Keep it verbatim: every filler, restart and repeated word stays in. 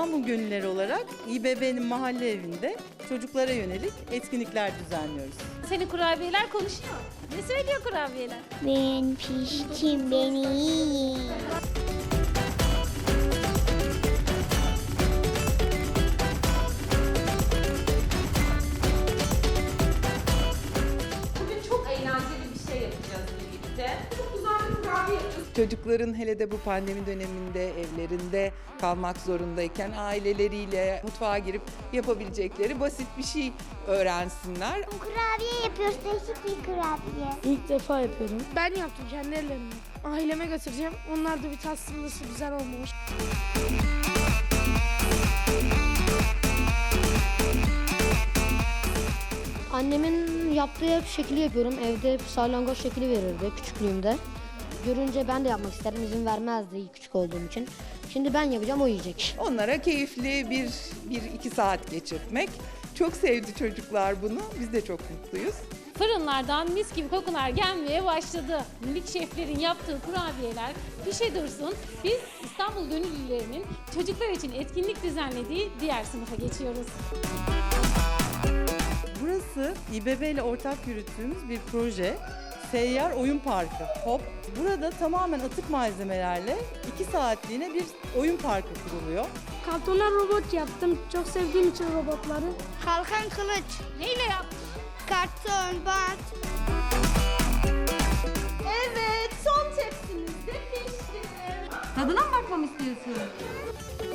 İstanbul Gönülleri olarak İBB'nin mahalle evinde çocuklara yönelik etkinlikler düzenliyoruz. Senin kurabiyeler konuşuyor. Ne söylüyor kurabiyeler? Ben piştim, beni yiyin. Bugün çok eğlenceli bir şey yapacağız birlikte. Çok güzel bir kurabiye yapacağız. Çocukların hele de bu pandemi döneminde evlerinde kalmak zorundayken aileleriyle mutfağa girip yapabilecekleri basit bir şey öğrensinler. Kurabiye yapıyoruz, değişik bir kurabiye. İlk defa yapıyorum. Ben yaptım kendi ellerimle. Aileme götüreceğim. Onlar da bir tatsın nasıl güzel olmuş. Annemin yaptığı şekli yapıyorum. Evde salyangoz şekli verirdi küçüklüğümde. Görünce ben de yapmak isterim. İzin vermezdi küçük olduğum için. Şimdi ben yapacağım, o yiyecek. Onlara keyifli bir, bir iki saat geçirtmek. Çok sevdi çocuklar bunu. Biz de çok mutluyuz. Fırınlardan mis gibi kokular gelmeye başladı. Minik şeflerin yaptığı kurabiyeler pişe dursun. Biz İstanbul Gönüllülerinin çocuklar için etkinlik düzenlediği diğer sınıfa geçiyoruz. Burası İBB ile ortak yürüttüğümüz bir proje. Seyyar Oyun Parkı, HOP. Burada tamamen atık malzemelerle iki saatliğine bir oyun parkı kuruluyor. Kartondan robot yaptım. Çok sevdiğim için robotları. Kalkan kılıç, Neyle yaptın? karton, bant. Evet, son tepsimiz de pişti. Tadına mı bakmamı istiyorsun?